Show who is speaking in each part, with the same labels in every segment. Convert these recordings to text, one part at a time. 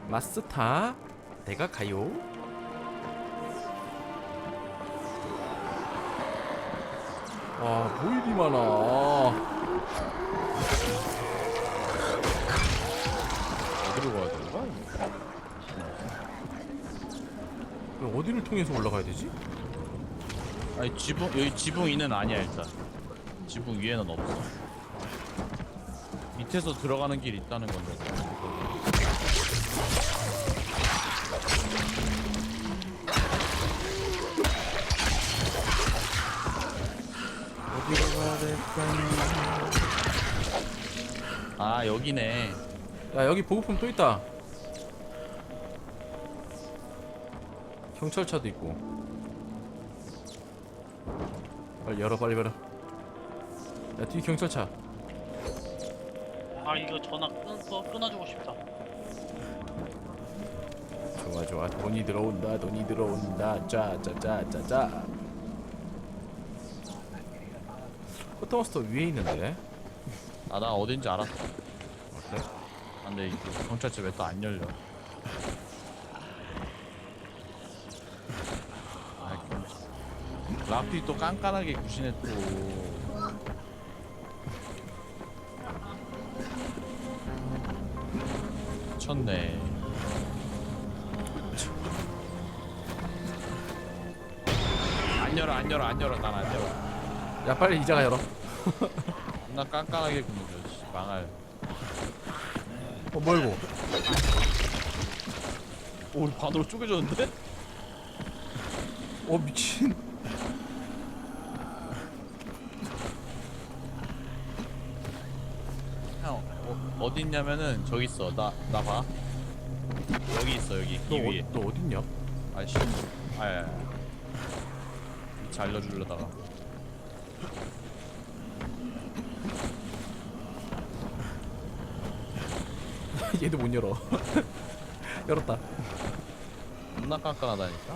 Speaker 1: 마스터 내가 가요. 와, 뭐 이리 많아.
Speaker 2: 어디로 가야 되는 거야?
Speaker 1: 그럼 어디를 통해서 올라가야 되지?
Speaker 2: 아니 지붕 여기 지붕 위는 아니야 일단. 지붕 위에는 없어. 밑에서 들어가는 길 있다는 건데.
Speaker 1: 어디로 가야 될까요?
Speaker 2: 아 여기네.
Speaker 1: 야, 여기 보급품 또 있다. 경찰차도 있고. 빨리 열어, 빨리 열어. 야, 뒤 경찰차.
Speaker 3: 아 이거 전화 끊어주고 싶다.
Speaker 1: 좋아 좋아, 돈이 들어온다, 돈이 들어온다. 짜짜짜짜짜. 포터마스터 위에 있는데.
Speaker 2: 아 나 어딘지 알았어.
Speaker 1: 그래?
Speaker 2: 아, 근데 이 경찰차 왜 또 안 열려? 아, 락디 또 깐깐하게 구시네 또. 미쳤네. 안 열어 안 열어 안 열어 난 안 열어.
Speaker 1: 야, 빨리 이자가 열어.
Speaker 2: 나 깐깐하게 구는 거 망할.
Speaker 1: 뭐야 이거?
Speaker 2: 오 우리 반으로 쪼개졌는데?
Speaker 1: 미친.
Speaker 2: 형 어디 있냐면은 저기 있어. 나 봐. 여기 있어 여기 이 위에.
Speaker 1: 너 어딨냐?
Speaker 2: 아이씨. 아야. 위치 알려주려다가.
Speaker 1: 얘도 못 열어. 열었다.
Speaker 2: 겁나 깐깐하다니까.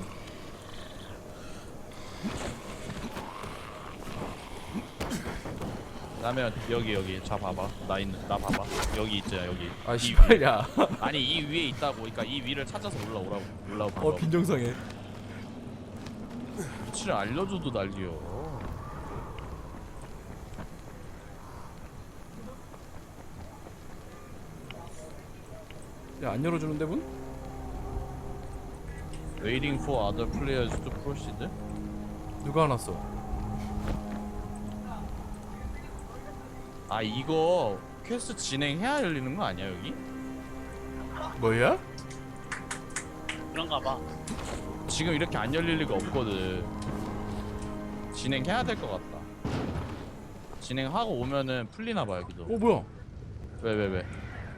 Speaker 2: 그다음에 여기 자 봐봐. 나 봐봐. 여기 있잖아 여기.
Speaker 1: 아,
Speaker 2: 이
Speaker 1: 씨발야.
Speaker 2: 위에. 아니 이 위에 있다고. 그러니까 이 위를 찾아서 올라오라고.
Speaker 1: 빈정상해.
Speaker 2: 위치를 알려줘도 난리여.
Speaker 1: 야, 안 열어주는데 문?
Speaker 2: Waiting for other players to proceed.
Speaker 1: 누가 안 왔어?
Speaker 2: 아 이거 퀘스트 진행해야 열리는 거 아니야 여기?
Speaker 1: 뭐야?
Speaker 3: 그런가 봐.
Speaker 2: 지금 이렇게 안 열릴 리가 없거든. 진행해야 될 것 같다. 진행하고 오면은 풀리나 봐 여기도.
Speaker 1: 뭐야?
Speaker 2: 왜?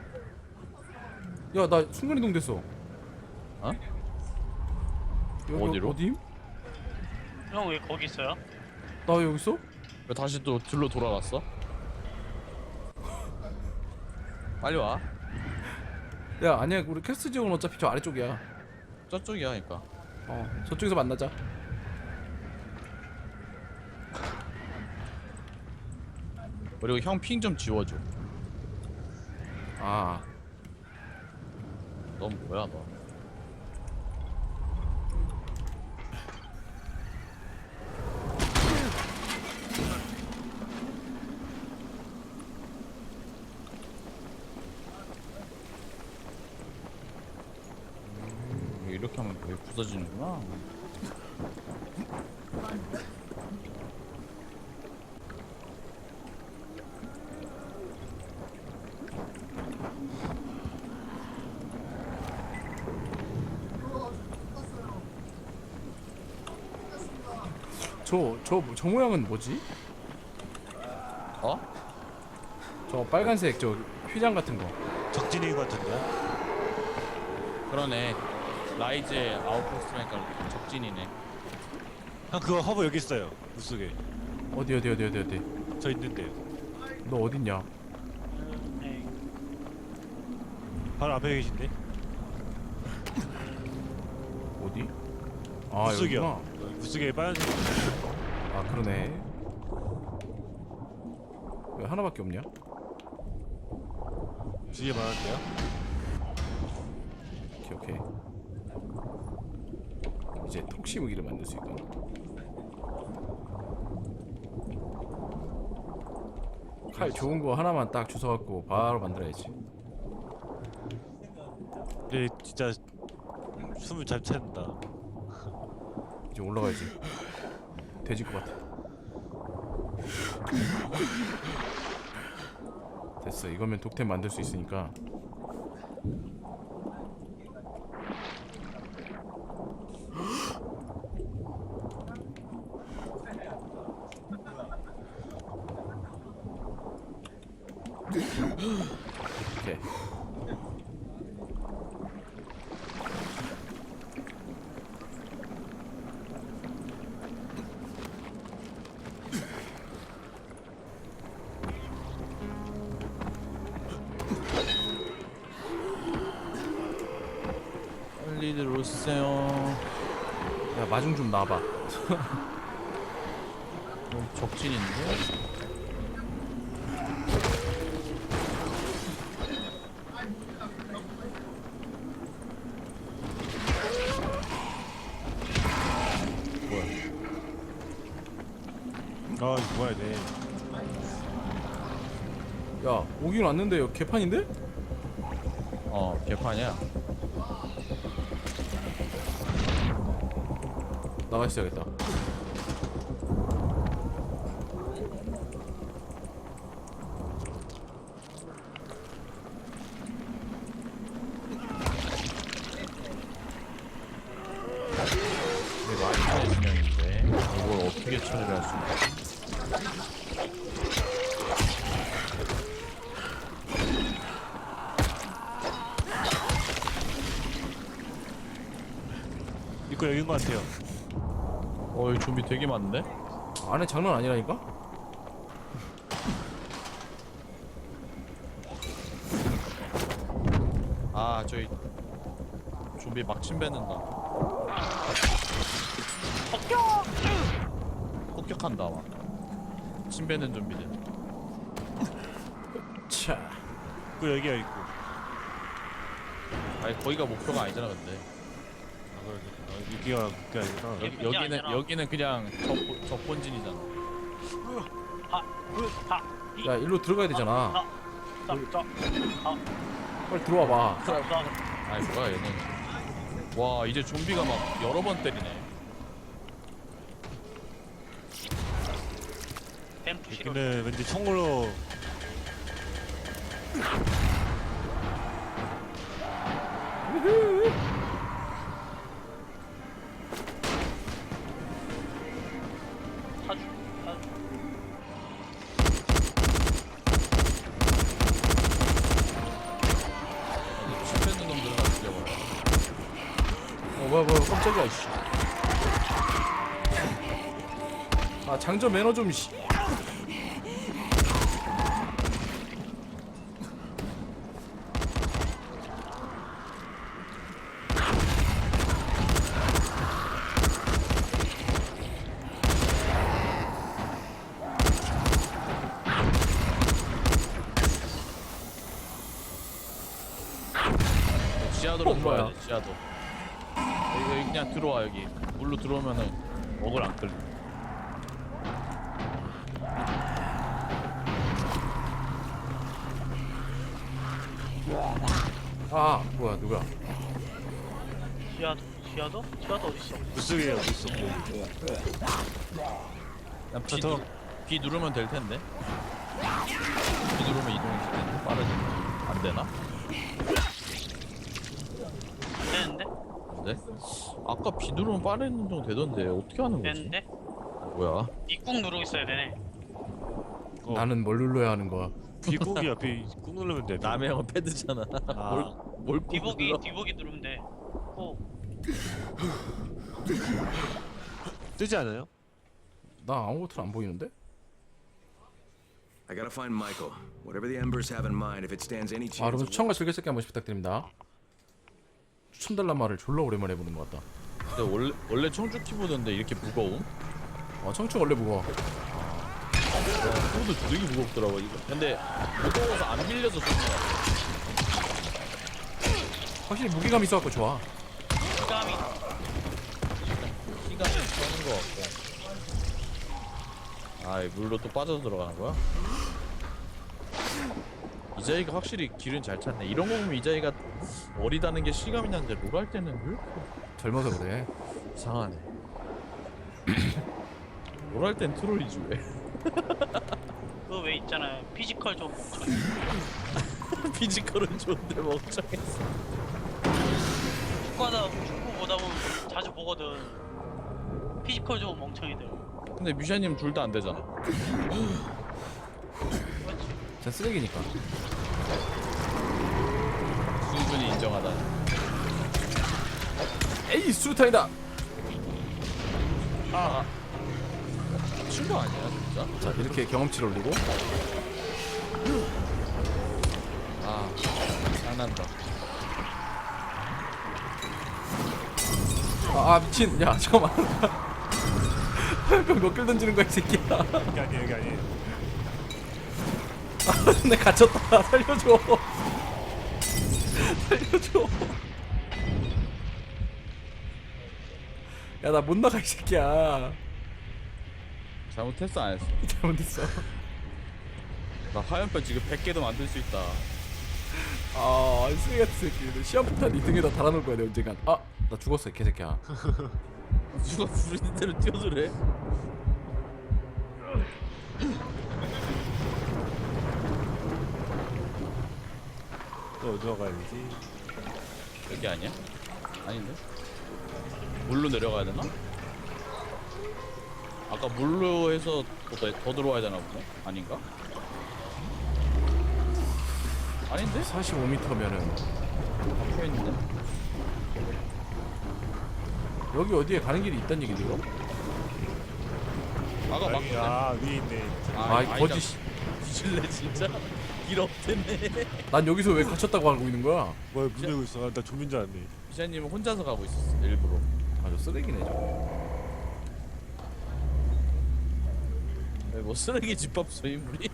Speaker 1: 야, 나 순간이동 됐어.
Speaker 2: 어?
Speaker 1: 여기
Speaker 2: 어디로?
Speaker 1: 어디?
Speaker 3: 형 왜 거기 있어요?
Speaker 1: 나 여기 있어?
Speaker 2: 왜 다시 또 들로 돌아갔어? 빨리 와.
Speaker 1: 야, 아니야, 우리 캐스트 지역은 어차피 저 아래쪽이야.
Speaker 2: 저쪽이야 그니까.
Speaker 1: 저쪽에서 만나자.
Speaker 2: 그리고 형 핑 좀 지워줘.
Speaker 1: 아,
Speaker 2: 넌 뭐야 너. 이렇게 하면 왜 부서지는구나.
Speaker 1: 저 모양은 뭐지?
Speaker 2: 어?
Speaker 1: 저 빨간색 저 휘장 같은 거.
Speaker 4: 적진이 같은데?
Speaker 2: 그러네. 라이즈의 아웃포스트라니까 적진이네.
Speaker 4: 형 그거 허브 여기 있어요. 물속에.
Speaker 1: 어디?
Speaker 4: 저 있는데요.
Speaker 1: 너 어딨냐?
Speaker 3: 네.
Speaker 4: 바로 앞에 계신데?
Speaker 1: 어디? 아,
Speaker 4: 물속이요.
Speaker 1: 여기구나.
Speaker 4: 물속에 빨간색.
Speaker 1: 아, 그러네. 왜 하나밖에 없냐?
Speaker 4: 뒤에 많은데요?
Speaker 1: 오케이. 이제 톡시 무기를 만들 수 있군. 칼 좋은 거 하나만 딱 주워갖고 바로 만들어야지.
Speaker 4: 근데 진짜 숨을 잘 찬다.
Speaker 1: 이제 올라가야지. 돼질 것 같아. 됐어. 이거면 독템 만들 수 있으니까. 오케이.
Speaker 2: 빨리 들어오세요.
Speaker 1: 야 마중 좀 놔봐.
Speaker 2: 적진인데?
Speaker 4: 아 이거 뭐야 돼.
Speaker 1: 야 오긴 왔는데 여기 개판인데?
Speaker 2: 개판이야.
Speaker 1: 나가 있어야겠다.
Speaker 2: 이거 아이템 진영인데 이걸 어떻게 처리를 할 수 있지?
Speaker 4: 이거 여긴 것 같아요.
Speaker 2: 여기 좀비 되게 많은데?
Speaker 1: 안에 장난 아니라니까?
Speaker 2: 아 저기 좀비 막 침뱉는다. 폭격한다 막. 침뱉는 좀비들.
Speaker 1: 차.
Speaker 4: 이거 여기가 있고.
Speaker 2: 아니 거기가 목표가 아니잖아 근데.
Speaker 4: 여기가 그게 아니라.
Speaker 3: 여기
Speaker 2: 여기는
Speaker 3: 아니라.
Speaker 2: 여기는 그냥 적본진이잖아.
Speaker 1: 야 일로 들어가야 되잖아.
Speaker 3: 자,
Speaker 1: 빨리 들어와봐.
Speaker 2: 아니 뭐야 얘는. 와 이제 좀비가 막 여러 번 때리네.
Speaker 3: 댐프 싫어.
Speaker 4: 여기는 왠지 총으로
Speaker 3: 타주.
Speaker 2: 침뱉는 놈들을 다 죽여버려.
Speaker 1: 뭐야 깜짝이야 이씨. 아 장전 매너 좀 씨.
Speaker 2: 지하도로
Speaker 1: 뭐야?
Speaker 2: 들어와야 돼 지하도. 여기 그냥 들어와 여기. 물로 들어오면은 먹을 안 끌려.
Speaker 1: 아 뭐야 누구야?
Speaker 3: 지하도 어디 있어?
Speaker 4: 물속에 물속.
Speaker 2: 그냥 B,
Speaker 4: 더.
Speaker 2: B 누르면 될 텐데. B 누르면 이동이 될 텐데 빠르지. 안 되나?
Speaker 3: 안 되는데?
Speaker 2: 네? 아까 B 누르면 빠른 정도 되던데 어떻게 하는 거지?
Speaker 3: 되는데?
Speaker 2: 뭐야?
Speaker 3: 이꾹 누르고 있어야 되네.
Speaker 1: 나는 뭘 눌러야 하는 거야?
Speaker 4: 비꾹이야 비꾹 누르면 돼.
Speaker 2: 남의 형은 패드잖아.
Speaker 4: 아.
Speaker 2: 뭘 꾹 눌러?
Speaker 3: 뒤보기 누르면 돼.
Speaker 4: 뜨지 않아요?
Speaker 1: 나 아무것도 안 보이는데?
Speaker 5: I gotta find Michael. Whatever the Embers have in mind, if it stands any
Speaker 1: 아
Speaker 5: chance.
Speaker 1: 여러분 추천과 즐겨찾기 한 번씩 부탁드립니다. 추천 달란 말을 졸라 오랜만에 해보는 것 같다.
Speaker 2: 근데 원래 청주 키보드인데 이렇게 무거움?
Speaker 1: 청춘 원래 무거워.
Speaker 2: 키보드 되게 무겁더라고 이거. 근데 무거워서 안 밀려서 좋은 거 같아.
Speaker 1: 확실히 무게감 있어갖고 좋아.
Speaker 3: 식감이
Speaker 2: 시간이 서는 거 같고. 아, 이 물로 또 빠져서 들어가는 거야? 이자이가 확실히 길은 잘 찾네. 이런 거 보면 이자이가 어리다는 게 실감이 나는데 롤 할 때는 왜 이렇게
Speaker 1: 젊어서 그래.
Speaker 2: 이상하네. 롤 할 땐 트롤이지 왜?
Speaker 3: 그거 왜 있잖아요. 피지컬 좀 멈춰.
Speaker 2: 피지컬은 좋은데 멍청했어.
Speaker 3: 축구 보다 보면 자주 보거든. 피지컬 좀 멍청이들.
Speaker 2: 근데 뮤샤님 둘 다 안 되잖아.
Speaker 1: 전 쓰레기니까.
Speaker 2: 순순히 인정하다.
Speaker 1: 에이 수류탄이다.
Speaker 2: 아, 미친 거 아니야 진짜?
Speaker 1: 자 이렇게 경험치를 올리고.
Speaker 2: 아, 장난다.
Speaker 1: 아 미친. 야 잠깐만. 그럼 몇길 던지는 거야 이 새끼야.
Speaker 4: 여기 아니 여기 아니.
Speaker 1: 아, 내 갇혔다. 살려줘. 살려줘. 야 나 못 나가 이 새끼야.
Speaker 2: 잘못했어 안 했어?
Speaker 1: 잘못했어.
Speaker 2: 나 화염병 지금 100개도 만들 수 있다.
Speaker 1: 아 쓰레기 같은 새끼. 너 시험부터 네 등에다 달아놓을 거야 내 언젠간. 아 나 죽었어 이 개새끼야.
Speaker 2: 누가 부르는 대로 뛰어들래?
Speaker 4: 또 어디로 가야 되지?
Speaker 2: 여기 아니야? 아닌데? 물로 내려가야 되나? 아까 물로 해서 더 들어와야 되나 보네? 아닌가? 아닌데?
Speaker 1: 45m면은
Speaker 2: 박혀 있는데?
Speaker 1: 여기 어디에 가는 길이 있단 얘기지 이거?
Speaker 2: 아까 막
Speaker 4: 여기, 아 위에 있네.
Speaker 1: 아, 이 거짓.
Speaker 2: 뒤질래 진짜? 길 없댔네.
Speaker 1: 난 여기서 왜 갇혔다고 알고 있는 거야?
Speaker 4: 뭐야 문 열고 있어. 나 좀비인 줄 알았네.
Speaker 2: 기사님은 혼자서 가고 있었어 일부러.
Speaker 1: 아저 쓰레기네 저거.
Speaker 2: 뭐 쓰레기 집합소 인물이?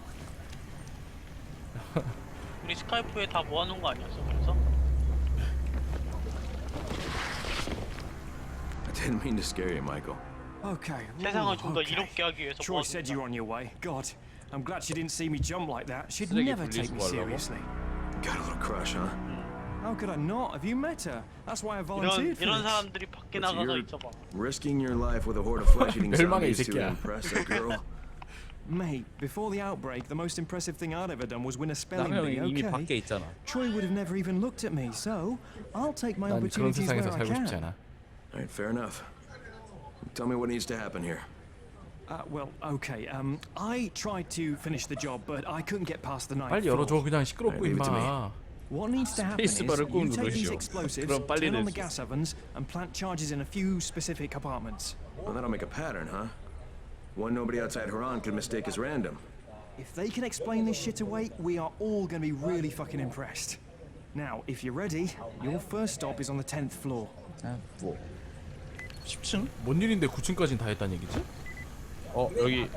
Speaker 3: 우리 스카이프에 다 모아놓은 거 아니었어? 그래서?
Speaker 5: I didn't mean to scare you, Michael.
Speaker 6: Okay.
Speaker 3: 세상을 좀 더
Speaker 6: okay.
Speaker 3: 이롭게 하기 위해서
Speaker 6: Troy said you were on your way. God, I'm glad she didn't see me jump like that. She'd
Speaker 2: 쓰레기
Speaker 6: never take me
Speaker 2: 분리수거 하려고?
Speaker 6: seriously.
Speaker 5: Got a little crush, huh?
Speaker 6: How could I not? Have you met her? That's why I
Speaker 3: 이런
Speaker 6: volunteered for
Speaker 3: 이런
Speaker 6: this.
Speaker 3: 사람들이 밖에
Speaker 5: What's
Speaker 3: 나가서
Speaker 5: your-
Speaker 3: 있어봐.
Speaker 5: Risking your life with a horde of flesh-eating
Speaker 1: 멸망의 이
Speaker 5: zombies to
Speaker 1: 새끼야.
Speaker 5: impress a girl?
Speaker 6: Mate, before the outbreak, the most impressive thing I'd ever done was win a spelling
Speaker 2: 나는
Speaker 6: bee,
Speaker 2: 이미
Speaker 6: okay?
Speaker 2: 밖에 있잖아.
Speaker 6: Troy would have never even looked at me, so I'll take my
Speaker 1: 난 그런
Speaker 6: opportunities where
Speaker 1: 세상에서
Speaker 6: I
Speaker 1: 살고 싶지
Speaker 6: can.
Speaker 1: 않아.
Speaker 5: All right, fair enough. Tell me what needs to happen here.
Speaker 6: Well, okay. I tried to finish the job, but I couldn't get past the ninth
Speaker 1: 빨리
Speaker 6: floor.
Speaker 1: 열어줘 그냥 시끄럽고
Speaker 5: Leave it to me.
Speaker 1: 임마.
Speaker 6: What needs to happen is
Speaker 2: 스페이스바를 꾹
Speaker 6: you take these
Speaker 2: 누르시오.
Speaker 6: explosives,
Speaker 2: 그럼 빨리
Speaker 6: turn on
Speaker 2: 낼
Speaker 6: the
Speaker 2: 수
Speaker 6: gas ovens, and plant charges in a few specific compartments.
Speaker 5: Well, that'll make a pattern, huh? One nobody outside Haran could mistake as random.
Speaker 6: If they can explain this shit away, we are all gonna be really fucking impressed. Now, if you're ready, your first stop is on the 10th floor.
Speaker 2: 뭐 10층?
Speaker 1: 뭔 일인데 9층까지는 다 했다는 얘기지?
Speaker 2: 여기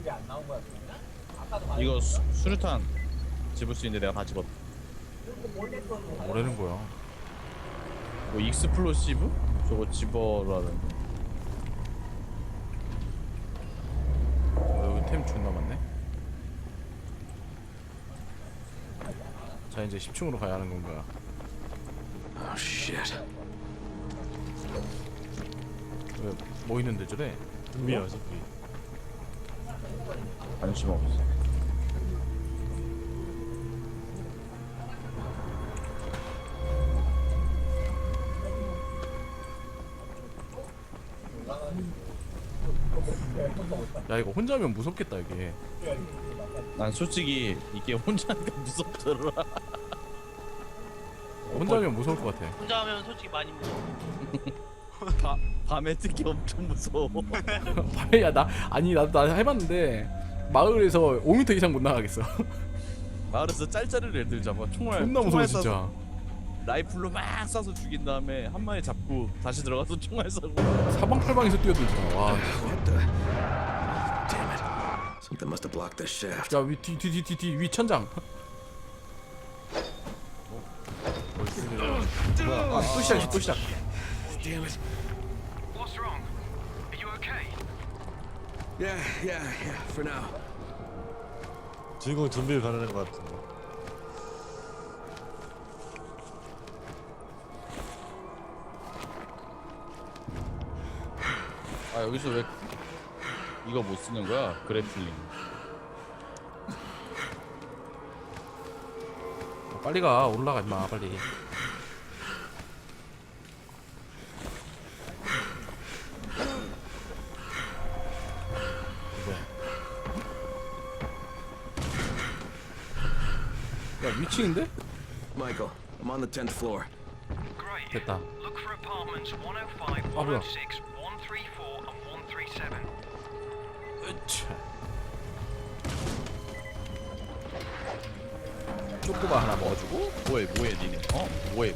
Speaker 2: 이거 수류탄 집을 수 있는데 내가 다 집었다.
Speaker 1: 뭐라는 거야?
Speaker 2: 뭐 익스플로시브? 저거 집어라는.
Speaker 1: 여기 템 존나 많네. 자 이제 10층으로 가야 하는 건가?
Speaker 5: Oh, shit.
Speaker 1: 왜 뭐 있는데 저래?
Speaker 4: 좀비야 좀비.
Speaker 2: 관심 없어.
Speaker 1: 야 이거 혼자 하면 무섭겠다 이게.
Speaker 2: 난 솔직히 이게 혼자니까 무섭더라.
Speaker 1: 혼자 하면 무서울 것 같아.
Speaker 3: 혼자 하면 솔직히 많이 무서워.
Speaker 2: 밤에 특히 엄청 무서워.
Speaker 1: 밤에 야 나 아니 나도 해봤는데 마을에서 5m 이상 못 나가겠어.
Speaker 2: 마을에서 짤짤이를 애들 잡아 총알
Speaker 1: 존나 무서워
Speaker 2: 총알
Speaker 1: 진짜.
Speaker 2: 쏴서 라이플로 막 쏴서 죽인 다음에 한 마리 잡고 다시 들어가서 총알 쏘고.
Speaker 1: 사방팔방에서 뛰어들잖아. 와.
Speaker 5: What the? Damn it. Something must have blocked the shaft.
Speaker 1: 야 위 뒤 위 천장. 또 시작이지 또 시작.
Speaker 5: Damn it.
Speaker 7: What's wrong? Are you okay?
Speaker 5: Yeah, for now.
Speaker 4: 주인공이 좀비를 가르는 것 같은데.
Speaker 2: 아 여기서 왜 이거 못 쓰는 거야? 그래플링.
Speaker 1: 빨리 가 올라가 임마 빨리. 야 위층인데?
Speaker 5: Michael, I'm on the 10th floor.
Speaker 7: Great.
Speaker 1: 됐다.
Speaker 7: Look for apartments 105,
Speaker 1: 아, 뭐야.
Speaker 7: 106, 134, and 137.
Speaker 1: 으차. 쪼꼬바 하나 먹어주고.
Speaker 2: 뭐해 니네? 뭐해?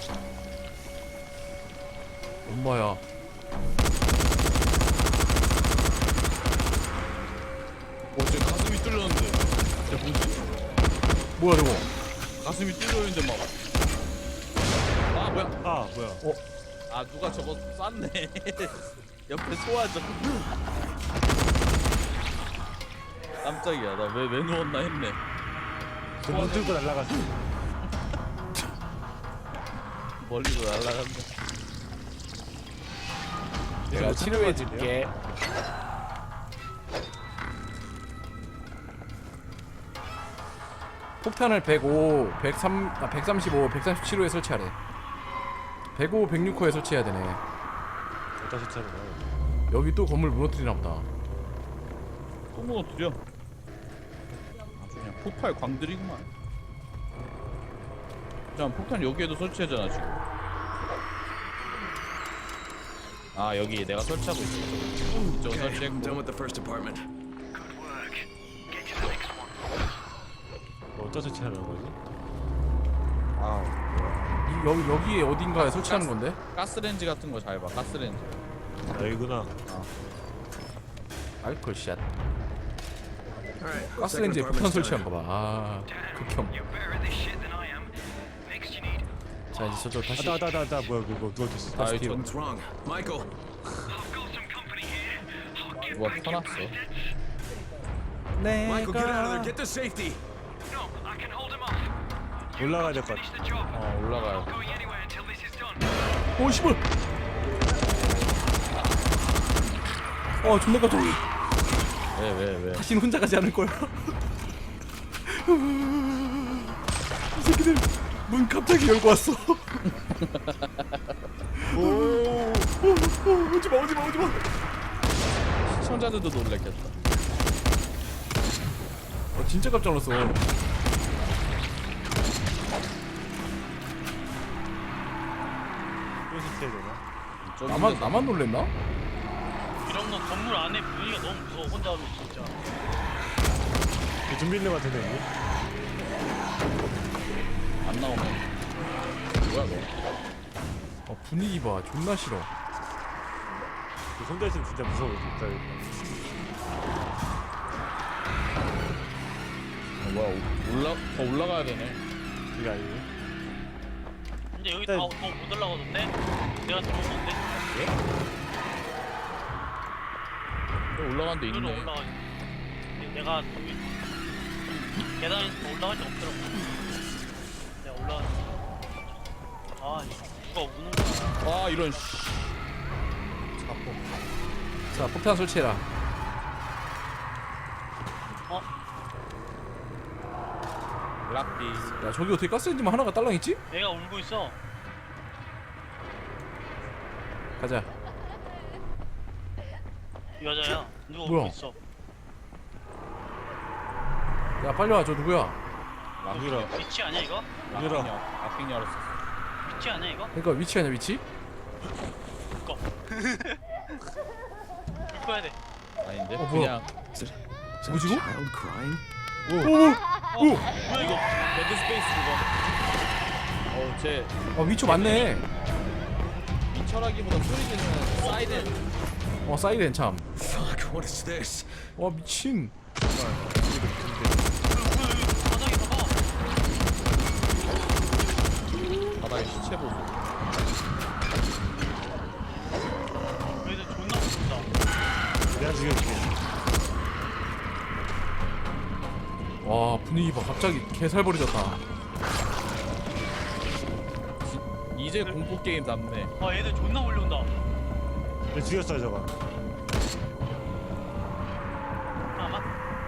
Speaker 1: 엄마야.
Speaker 2: 쟤 가슴이 뚫렸는데. 쟤 뭐지?
Speaker 1: 뭐야 저거?
Speaker 2: 가슴이 뚫렸는데 막. 아 뭐야?
Speaker 4: 아 뭐야?
Speaker 2: 아 누가 저거 쐈네. 옆에 소화적. 깜짝이야. 나 왜 누웠나 했네.
Speaker 4: 눈 들고 날라갔어.
Speaker 2: 멀리로 날아갔네.
Speaker 1: 내가 치료해줄게. 폭탄을 105, 135, 137호에 설치하래. 105, 106호에 설치해야 되네.
Speaker 4: 어디다 설치하는 거야?
Speaker 1: 여기 또 건물 무너뜨리나 보다.
Speaker 2: 또 무너뜨려. 아주 그냥 폭발 광들이구만. 자 폭탄 여기에도 설치하잖아 지금. 아 여기 내가 설치하고 있어. 이쪽은
Speaker 5: Okay, I'm done
Speaker 2: 설치했고.
Speaker 5: with the first apartment.
Speaker 7: Good work. Get to the next one.
Speaker 4: 어디다 설치하는 거지?
Speaker 2: 아
Speaker 1: 여기에 어딘가에 설치하는 건데?
Speaker 2: 가스렌지 같은 거 잘 봐. 가스렌지.
Speaker 4: 아 여기구나.
Speaker 1: 알콜 샷.
Speaker 5: Alright,
Speaker 1: 가스레인지에
Speaker 5: second
Speaker 1: 폭탄
Speaker 5: apartment's
Speaker 1: 설치한
Speaker 5: done.
Speaker 1: 거 봐. 아, 극혐.
Speaker 7: You're better at this shit than I am. Next you need.
Speaker 1: 자 이제 저쪽 다시.
Speaker 4: 아따 뭐야 그거 누가 켰어?
Speaker 2: 아
Speaker 1: 스티브.
Speaker 2: 이거
Speaker 5: What's wrong? Michael!
Speaker 7: I've got some company here. I'll get
Speaker 2: 누가
Speaker 7: back
Speaker 2: 켜놨어.
Speaker 7: to my
Speaker 5: Michael, get out of there! Get to safety!
Speaker 7: No, I can hold him off.
Speaker 4: 올라가야 될 것
Speaker 7: Finish
Speaker 4: 같아.
Speaker 7: the job.
Speaker 2: 올라가요.
Speaker 7: Not going anywhere until this is done.
Speaker 1: 오 씨발. 존나 깜짝.
Speaker 2: 왜?
Speaker 1: 다시는 혼자 가지 않을 거야. 이 새끼들 문 갑자기 열고 왔어. 오지마.
Speaker 2: 시청자들도 놀랬겠다.
Speaker 1: 진짜 깜짝 놀랐어.
Speaker 4: 또 설치해야 되나?
Speaker 1: 나만 놀랬나?
Speaker 3: 이런 건 건물 안에 분위기가 너무 무서워. 혼자 하면 진짜.
Speaker 4: 이 좀비 있는 것 같은데 여기?
Speaker 2: 안 나오면 뭐야 너?
Speaker 1: 분위기 봐. 존나 싫어.
Speaker 4: 혼자 있으면 진짜 무서워 진짜.
Speaker 2: 뭐야 더 올라가야 되네.
Speaker 4: 이게 아니고.
Speaker 3: 근데 여기
Speaker 4: 네.
Speaker 3: 더 못 올라가던데? 내가 들어온 건데?
Speaker 2: 올라간 데
Speaker 3: 여기로
Speaker 2: 있네.
Speaker 3: 올라가. 내가 계단에서 더 올라갈 데 없더라고. 내가 올라가. 아, 누가 우는 거야.
Speaker 2: 와 이런 씨.
Speaker 1: 자 폭탄 설치해라.
Speaker 2: 락비.
Speaker 1: 야 저기 어떻게 가스레인지만 하나가 딸랑 있지?
Speaker 3: 애가 울고 있어.
Speaker 1: 가자.
Speaker 3: 여자야. 누가
Speaker 1: 뭐야?
Speaker 3: 울고 있어.
Speaker 1: 야 빨리 와. 저 누구야?
Speaker 4: 여기라.
Speaker 3: 위치 아니야 이거?
Speaker 4: 열어.
Speaker 2: 락빙 열었어.
Speaker 3: 위치 아니야 이거?
Speaker 1: 그러니까 위치 아니야 위치?
Speaker 3: 꺼. 불 꺼야 돼.
Speaker 2: 아닌데?
Speaker 1: 뭐야?
Speaker 2: 그냥
Speaker 1: 뭐지 이거?
Speaker 5: Child crying?
Speaker 3: 뭐야 이거?
Speaker 2: 데드 스페이스 그거. 쟤
Speaker 1: 위치 맞네.
Speaker 2: 이 철학기보다 소리 지르는 사이렌.
Speaker 1: 사이렌 참.
Speaker 5: Fuck, what is this?
Speaker 1: 와 미친.
Speaker 3: 바닥에 봐봐.
Speaker 2: 바닥에 시체 보고.
Speaker 1: 분위기 봐. 갑자기 개살벌어졌다.
Speaker 2: 이제 공포 게임 남네.
Speaker 3: 아 얘들 존나 몰려온다.
Speaker 4: 얘 죽였어요 저거.
Speaker 3: 잠깐만.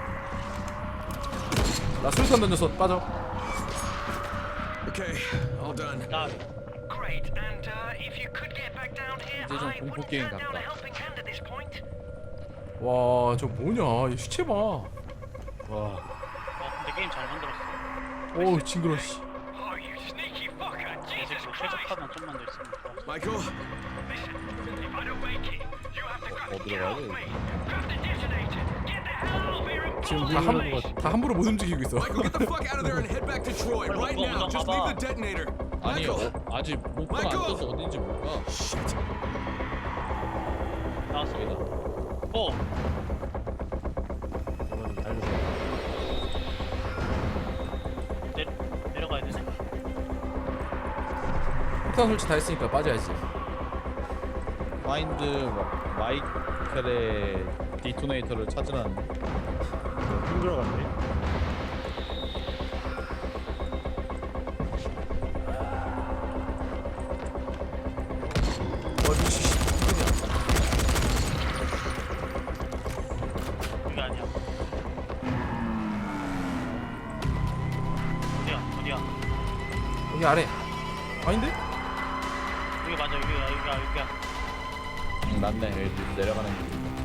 Speaker 1: 나 술탄 던져서 빠져.
Speaker 5: Okay, all done.
Speaker 3: 나
Speaker 7: Great, and if you could get back down here,
Speaker 2: 이제 좀
Speaker 7: I
Speaker 2: 공포
Speaker 7: wouldn't
Speaker 2: 게임
Speaker 7: stand down
Speaker 2: 같다.
Speaker 7: a helping hand at this point.
Speaker 1: 와, 저 뭐냐? 이 시체 봐.
Speaker 4: 와.
Speaker 3: 근데 게임 잘 만들었어.
Speaker 1: 어우, 징그러 씨.
Speaker 7: Oh, you sneaky fucker!
Speaker 3: 내
Speaker 7: Jesus
Speaker 3: 새끼
Speaker 7: Christ!
Speaker 3: 최적화만 좀만 더 있으면 좋아.
Speaker 5: Michael,
Speaker 7: Listen, if I don't make it, you have to grab, get
Speaker 2: 들어가야
Speaker 7: off
Speaker 2: 돼.
Speaker 7: me. Grab the detonator. Get the hell out of here and
Speaker 1: 지금
Speaker 7: follow me.
Speaker 1: 다 함부로 못 움직이고 있어.
Speaker 5: Michael, get the fuck out of there and head back to Troy right now. Just leave the detonator.
Speaker 2: 아니
Speaker 5: Michael.
Speaker 2: 아직 목표가 안
Speaker 5: 마이클!
Speaker 2: 떠서 어딘지 못 가.
Speaker 5: Shit.
Speaker 3: 나왔어.
Speaker 2: 여기다.
Speaker 3: 어.
Speaker 4: 저건 달려서.
Speaker 3: 내려가야 되네.
Speaker 1: 폭탄 설치 다 했으니까 빠져야지.
Speaker 2: 파인드 마이클의 디토네이터를 찾으라는데.
Speaker 4: 힘들어갔네.
Speaker 3: 여기 아니야. 어디야?
Speaker 1: 여기 아래. 아닌데?
Speaker 3: 여기 맞아. 여기야.
Speaker 2: 맞네. 여기 내려가는 길.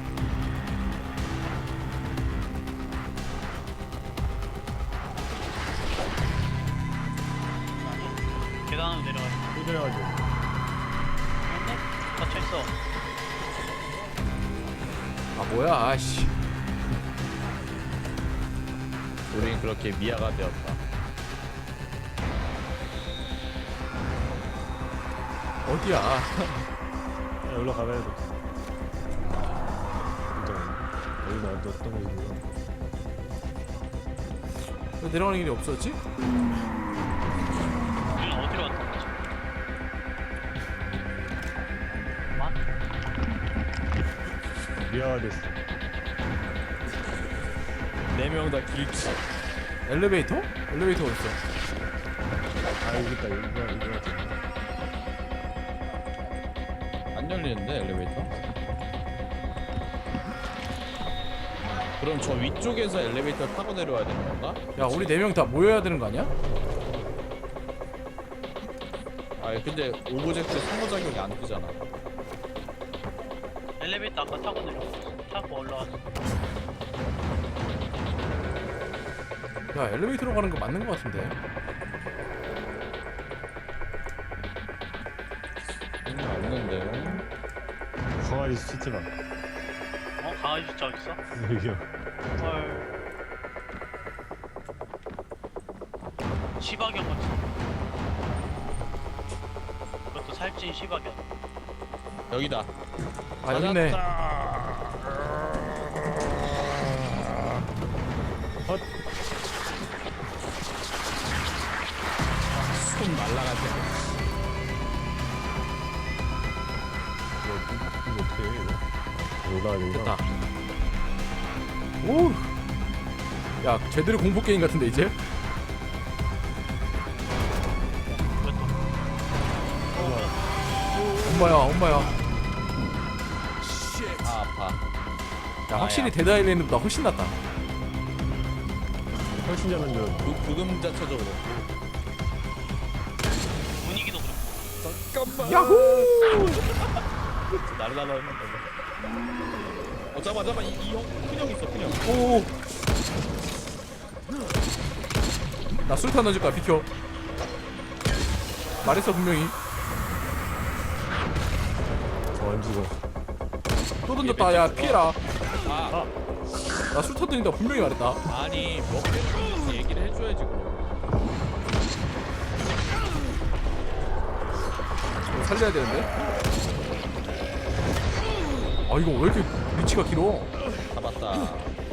Speaker 3: 아니. 계단으로 내려가.
Speaker 4: 힘들어가지고.
Speaker 3: 맞네? 닫혀 있어.
Speaker 1: 아, 뭐야? 아씨.
Speaker 2: 우린 그렇게 미아가 되었다.
Speaker 1: 어디야?
Speaker 4: 야, 올라가봐야 돼. 여기는 어떤 거지?
Speaker 1: 왜 내려가는 길이 없었지?
Speaker 3: 우리는 어디로 갔던 거지? 잠깐만.
Speaker 4: 미아가 됐어.
Speaker 2: 4명 다 길치.
Speaker 1: 엘리베이터? 엘리베이터 어딨어?
Speaker 4: 아 여기 있다. 이거.
Speaker 2: 안 열리는데 엘리베이터? 그럼 저 위쪽에서 엘리베이터 타고 내려와야 되는 건가?
Speaker 1: 야, 우리 4명 다 모여야 되는 거 아니야?
Speaker 2: 아 근데 오브젝트 상호작용이 안 뜨잖아.
Speaker 3: 엘리베이터 아까 타고 내려갔어. 타고 올라왔어.
Speaker 1: 야, 엘리베이터로 가는 거 맞는 거 같은데.
Speaker 2: 없는데.
Speaker 4: 강아지 시체가.
Speaker 3: 강아지 진짜 있어?
Speaker 4: 여기요.
Speaker 3: 헐. 시바견 같은. 그것도 살찐 시바견.
Speaker 2: 여기다.
Speaker 1: 아, 여기 있네.
Speaker 4: 헛.
Speaker 2: 손 날라가지.
Speaker 4: 이거 어떻게 해 이거? 올라가야 되구나.
Speaker 1: 됐다. 오. 야, 제대로 공포 게임 같은데 이제?
Speaker 3: 그것도.
Speaker 1: 엄마야, 엄마야.
Speaker 2: 아 아파.
Speaker 1: 야, 확실히 데드 아일랜드보다 훨씬 낫다.
Speaker 4: 훨씬 잘하면
Speaker 2: 부금자 쳐줘 그래.
Speaker 3: 분위기도 그렇고.
Speaker 1: 야호!
Speaker 2: 날라라 했는데. 잠깐 이형 큰형 있어 큰형.
Speaker 1: 오. 나 술탄 던질 거야. 비켜. 말했어 분명히.
Speaker 4: 안 죽어.
Speaker 1: 또 던졌다. 야, 피해라.
Speaker 2: 아
Speaker 1: 나 술탄 던진다 분명히 말했다.
Speaker 2: 아니 먹겠지 얘기를 해줘야지 그럼.
Speaker 1: 이거 살려야 되는데. 아, 이거 왜 이렇게 위치가 길어?
Speaker 2: 잡았다.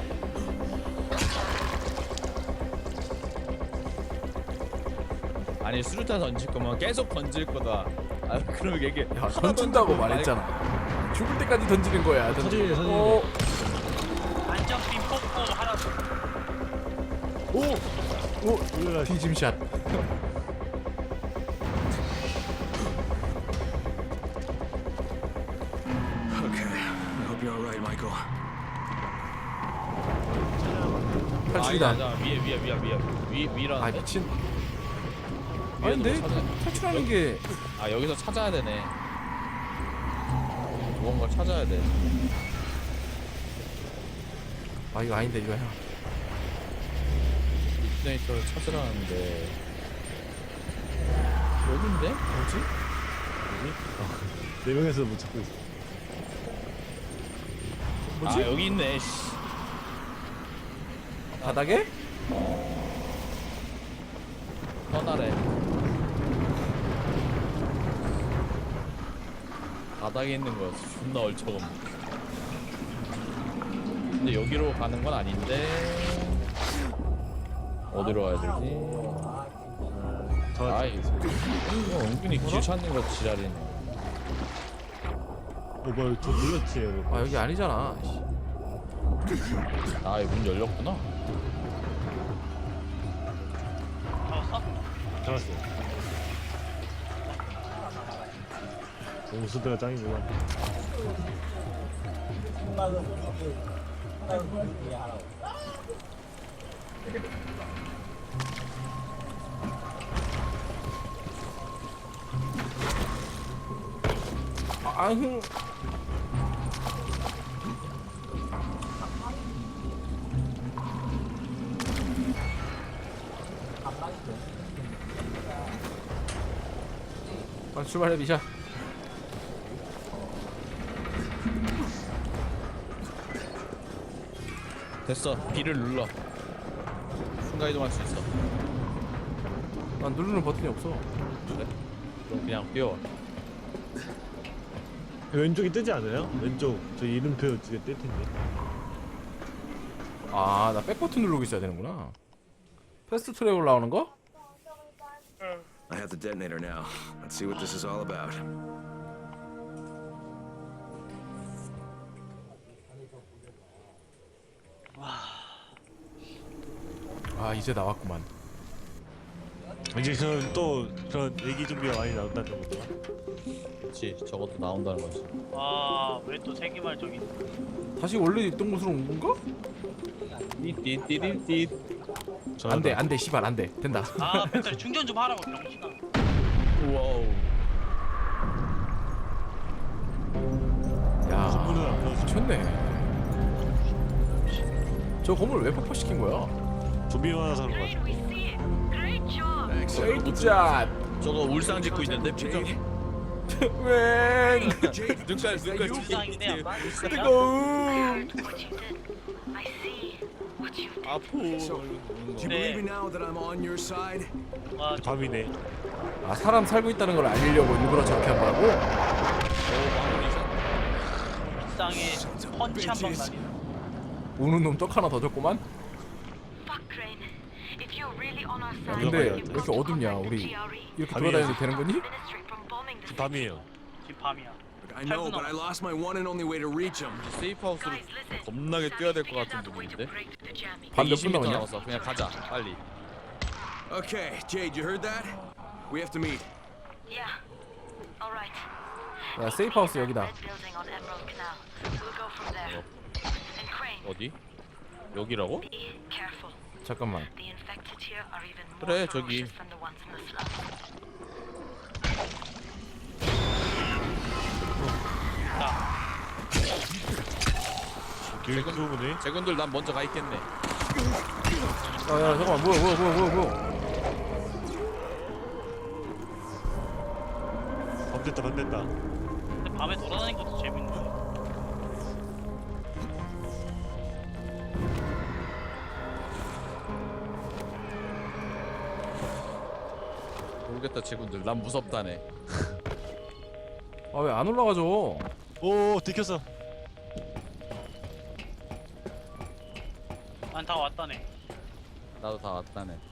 Speaker 2: 아니 수류탄 던질 거면 계속 던질 거다. 아 그럼 얘기.
Speaker 1: 야, 던진다고 말했잖아. 죽을 때까지 던지는 거야.
Speaker 4: 서진이, 서진이.
Speaker 1: 어,
Speaker 3: 안정빔 뽑고 하라고.
Speaker 1: 오 뒤짐샷.
Speaker 5: Okay. I hope you're all right, Michael.
Speaker 1: 탈출이다.
Speaker 2: 아니다, 위라는데?
Speaker 1: 아 미친. 아닌데 탈출하는 게
Speaker 2: 아 여기서 찾아야 되네. 좋은 걸 찾아야 돼.
Speaker 1: 아 이거 아닌데 이거야.
Speaker 2: 디스네이터를 찾으라는데 여긴데? 뭐지?
Speaker 4: 네 명에서 못 찾고 있어.
Speaker 1: 뭐지?
Speaker 2: 아 여기 있네. 씨.
Speaker 1: 바닥에?
Speaker 2: 떠나래. 바닥에 있는 거였어. 존나 얼척음. 근데 여기로 가는 건 아닌데 어디로 가야 되지? 아이 이거 은근히 길 찾는 거 지랄이네.
Speaker 4: 뭘 좀 눌렀지 여러분.
Speaker 1: 아 여기 아니잖아.
Speaker 2: 아, 이 문 열렸구나.
Speaker 3: 잡았어?
Speaker 4: 잡았어. 옹수대가 짱이구나.
Speaker 1: 아흥. 아 출발해 미샤.
Speaker 2: 됐어. B를 눌러. 순간 이동할 수 있어.
Speaker 1: 난 누르는 버튼이 없어.
Speaker 2: 그래? 그럼 그냥 뛰어.
Speaker 4: 왼쪽이 뜨지 않아요? 왼쪽 저 이름표 쪽에 뜰 텐데.
Speaker 1: 아 나 백 버튼 누르고 있어야 되는구나. 패스트 트랙으로 나오는 거?
Speaker 5: I have the detonator now. Let's see what this is all about.
Speaker 1: 아 이제 나왔구만.
Speaker 4: 이제 저는 또 그런 얘기 준비가 많이 나온다는 거죠.
Speaker 2: 그렇지. 저것도 나온다는 거지.
Speaker 3: 와, 왜 또 세기말 저기.
Speaker 1: 다시 원래 있던 곳으로 온 건가?
Speaker 2: 띠띠띠띠.
Speaker 1: 안돼 안돼 씨발 안돼 된다.
Speaker 3: 아, 배터리 충전 좀 하라고, 병신아.
Speaker 2: 우와우.
Speaker 1: 야
Speaker 4: 건물은 안 나오죠.
Speaker 1: 미쳤네. 저 건물 왜 폭파시킨 거야?
Speaker 4: 좀비 많아서 그런 거
Speaker 7: Great,
Speaker 4: 같아.
Speaker 7: we see it. Great job.
Speaker 1: 에이짜
Speaker 2: 저거 울상 짓고 있는데 표정이.
Speaker 1: 웬
Speaker 2: 눈깔
Speaker 3: 울상이네, 아빠.
Speaker 1: 뜨거움.
Speaker 7: What you did. I see what you did.
Speaker 2: 아프.
Speaker 5: Do you believe me now that I'm on your side?
Speaker 3: 와, 저
Speaker 4: 밤이네.
Speaker 1: 아 사람 살고 있다는 걸 알리려고 일부러 저렇게 한 거라고?
Speaker 3: 울상에 펀치 한 방 날리네.
Speaker 1: 우는 놈 떡 하나 더 줬구만.
Speaker 7: Fuck, Crane. If you're really on our side,
Speaker 1: 근데
Speaker 7: you've
Speaker 1: 왜
Speaker 7: got
Speaker 1: 이렇게
Speaker 7: to
Speaker 1: 어둡냐
Speaker 7: contact the
Speaker 1: 우리
Speaker 7: GRE.
Speaker 1: 이렇게
Speaker 4: 밤이에요.
Speaker 1: 돌아다녀도 되는 거니?
Speaker 7: Administering from bombing the city.
Speaker 4: 밤이에요.
Speaker 3: 지금 밤이야.
Speaker 5: Look, I know, but I lost my one and only way to reach him.
Speaker 2: 세이프 하우스로
Speaker 7: Guys, listen.
Speaker 2: 겁나게 뛰어야 될 것
Speaker 7: Sam's
Speaker 2: 같은
Speaker 7: figured out a way to
Speaker 2: 분인데.
Speaker 7: break through the jamming.
Speaker 1: 밤 몇 분
Speaker 2: 120m
Speaker 1: 남았냐?
Speaker 2: 남았어. 그냥 가자. 빨리.
Speaker 5: Okay, Jade, you heard that? We have to meet.
Speaker 7: Yeah. All right.
Speaker 1: 야 세이프 하우스 여기다.
Speaker 7: Red building on Emerald Canal. We'll go from there. And Crane,
Speaker 2: 어디? 여기라고?
Speaker 7: be careful.
Speaker 1: 잠깐만.
Speaker 7: The infected here are even more
Speaker 2: 그래, 저기.
Speaker 7: ferocious than the ones in the slums.
Speaker 4: 길 끄고네.
Speaker 2: 제군들 난 먼저 가 있겠네.
Speaker 1: 야야 잠깐만 뭐야.
Speaker 4: 밤 됐다 밤 됐다.
Speaker 3: 근데 밤에 돌아다니는 것도 재밌는데.
Speaker 2: 모르겠다 제군들. 난 무섭다네.
Speaker 1: 아 왜 안 올라가죠?
Speaker 4: 오 들켰어.
Speaker 3: 난 다 왔다네.
Speaker 2: 나도 다 왔다네.